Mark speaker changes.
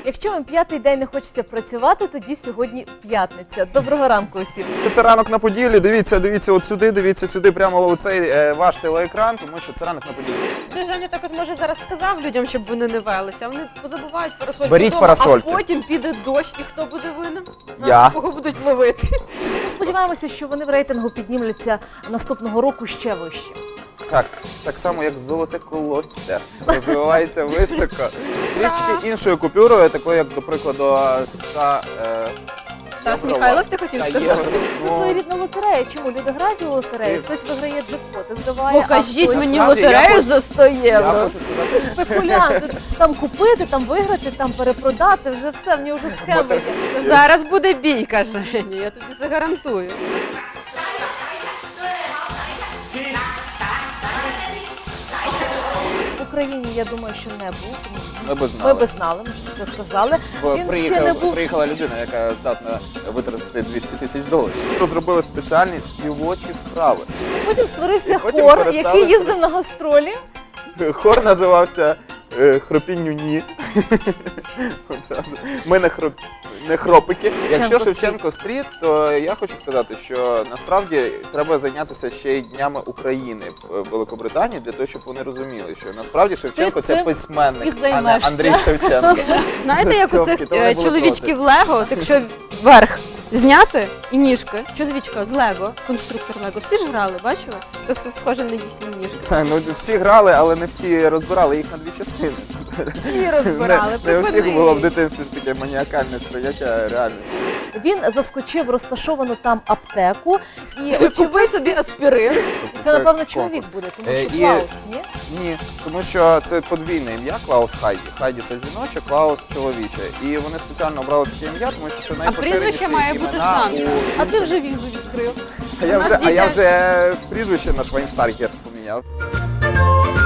Speaker 1: Якщо вам п'ятий день не хочеться працювати, тоді сьогодні п'ятниця. Доброго ранку усім.
Speaker 2: Це ранок на Поділлі. Дивіться от сюди, дивіться сюди, прямо у цей ваш телеекран, тому що це ранок на Поділлі.
Speaker 3: Ти, Женя, так от може зараз сказав людям, щоб вони не велися, а вони позабувають парасольки
Speaker 2: Беріть
Speaker 3: вдома,
Speaker 2: парасольки.
Speaker 3: а потім піде дощ, і хто буде винен?
Speaker 2: Я.
Speaker 3: Кого будуть ловити?
Speaker 1: Сподіваємося, що вони в рейтингу піднімуться наступного року ще вище.
Speaker 2: Так само, як золоте колосся, розвивається високо. Трішки іншою купюрою, такою, як, до прикладу, 100
Speaker 3: Стас Михайлов, ти хотів сказати?
Speaker 1: Це своєрідна лотерея. Чому люди грають у лотерею? Хтось виграє джекпоти, зливає,
Speaker 3: Покажіть
Speaker 1: хтось...
Speaker 3: мені
Speaker 2: Справді,
Speaker 3: лотерею
Speaker 2: я
Speaker 3: за 100
Speaker 2: Я
Speaker 3: євро.
Speaker 2: хочу сказати,
Speaker 1: Спекулянти. Там купити, там виграти, там перепродати, вже все, в нього вже схеми є.
Speaker 3: Це зараз буде бійка, Женя, я тобі це гарантую.
Speaker 1: В Україні, я думаю, що не був.
Speaker 2: ми би
Speaker 1: Ми би
Speaker 2: знали.
Speaker 1: знали, ми це сказали.
Speaker 2: Бо
Speaker 1: Він ще не був.
Speaker 2: приїхала людина, яка здатна витратити $200 000. Розробили спеціальні співочі вправи.
Speaker 1: Потім створився
Speaker 2: Потім
Speaker 1: хор,
Speaker 2: перестали.
Speaker 1: який їздив на гастролі.
Speaker 2: Хор називався «Хропінню ні». Одразу. Ми не хропики. Якщо Шевченко стріт, то я хочу сказати, що насправді треба зайнятися ще й днями України в Великобританії, для того, щоб вони розуміли, що насправді Шевченко
Speaker 1: Ти
Speaker 2: це
Speaker 1: цим
Speaker 2: письменник,
Speaker 1: і
Speaker 2: а не
Speaker 1: займешся.
Speaker 2: Андрій Шевченко.
Speaker 3: Знаєте, як у
Speaker 2: Цьомки,
Speaker 3: цих
Speaker 2: то вони були
Speaker 3: чоловічків Лего, якщо верх зняти і ніжки, чоловічка з Лего, конструктор Лего, всі ж грали, бачили? То схоже на їхні ніжки.
Speaker 2: Так, ну, всі грали, але не всі розбирали їх на дві частини.
Speaker 3: Всі розбирали,
Speaker 2: Не у всіх
Speaker 3: припини.
Speaker 2: було в дитинстві таке маніакальне сприйняття реальності.
Speaker 1: Він заскочив в розташовану там аптеку і
Speaker 3: Купи
Speaker 1: очевидь,
Speaker 3: собі аспірин.
Speaker 1: це напевно
Speaker 2: конкурс.
Speaker 1: чоловік буде, тому
Speaker 2: Е,
Speaker 1: що
Speaker 2: і-
Speaker 1: Клаус, ні?
Speaker 2: Ні, тому що це подвійне ім'я Клаус Хайді. Хайді це жіноче, Клаус чоловіче. І вони спеціально обрали таке ім'я, тому що це найпоширеніші
Speaker 3: прізвище має бути
Speaker 2: імена
Speaker 3: Санта.
Speaker 1: А ти вже візу відкрив.
Speaker 2: А я
Speaker 3: У нас
Speaker 2: вже
Speaker 3: дітей-
Speaker 2: прізвище на Швайнштаргер поміняв.